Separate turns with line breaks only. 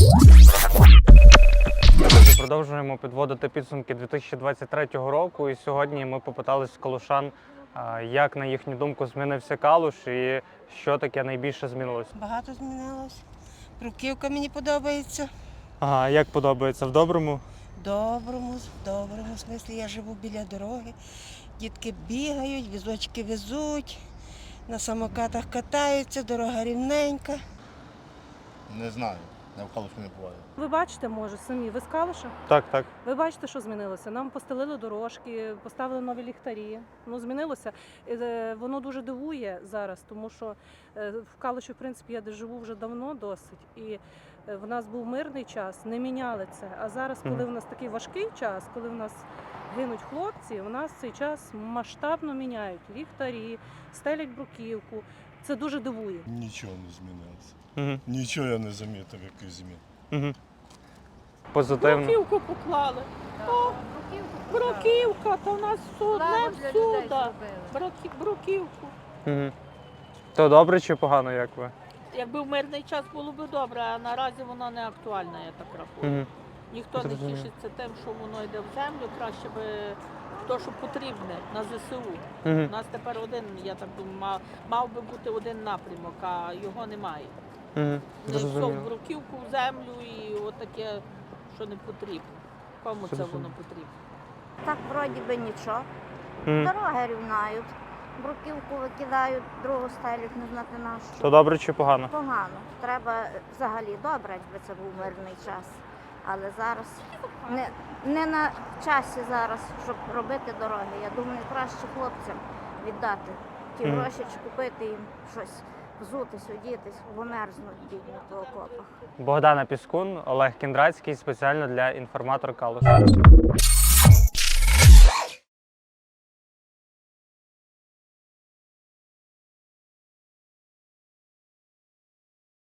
Продовжуємо підводити підсумки 2023 року, і сьогодні ми попитались калушан, як, на їхню думку, змінився Калуш і що таке найбільше змінилось.
Багато змінилось. Бруківка мені подобається.
Ага, як подобається? В доброму?
В доброму смислі. Я живу біля дороги. Дітки бігають, візочки везуть, на самокатах катаються, дорога рівненька.
Не знаю, я в Калуші не буваю.
Ви бачите, може, самі, ви з Калуша?
Так, так.
Ви бачите, що змінилося? Нам постелили дорожки, поставили нові ліхтарі. Ну, змінилося. Воно дуже дивує зараз, тому що в Калуші, в принципі, я де живу вже давно досить. І в нас був мирний час, не міняли це. А зараз, коли в нас такий важкий час, коли в нас гинуть хлопці, у нас цей час масштабно міняють ліхтарі, стелять бруківку. Це дуже дивує.
Нічого не змінилося.
Угу.
Нічого я не замітив, яких змін.
Угу. Позитивно.
Бруківку поклали. О, бруківка, то в нас одне всюди. Бруківку.
Угу. То добре чи погано, як ви?
Якби в мирний час було б добре, а наразі воно не актуальне, я так рахую.
Угу.
Ніхто не
Зрозуміло.
тішиться тим, що воно йде в землю, краще би то, що потрібне на ЗСУ.
Угу.
У нас тепер один, я так думаю, мав би бути один напрямок, а його немає.
Угу.
Не йшов
Зрозуміло.
бруківку в землю і отаке, що не потрібно. Кому це
Зрозуміло.
воно потрібно?
Так вроді би нічого.
Угу.
Дороги рівнають, бруківку викидають, другу стелють, не знати на що.
То добре чи погано?
Погано. Треба взагалі добре, якби це був мирний час. Але зараз не на часі зараз, щоб робити дороги. Я думаю, краще хлопцям віддати ті гроші чи купити їм щось, взутись, одітись, бо мерзнуть бідні по окопах.
Богдана Піскун, Олег Кіндрацький, спеціально для інформатор Калуш.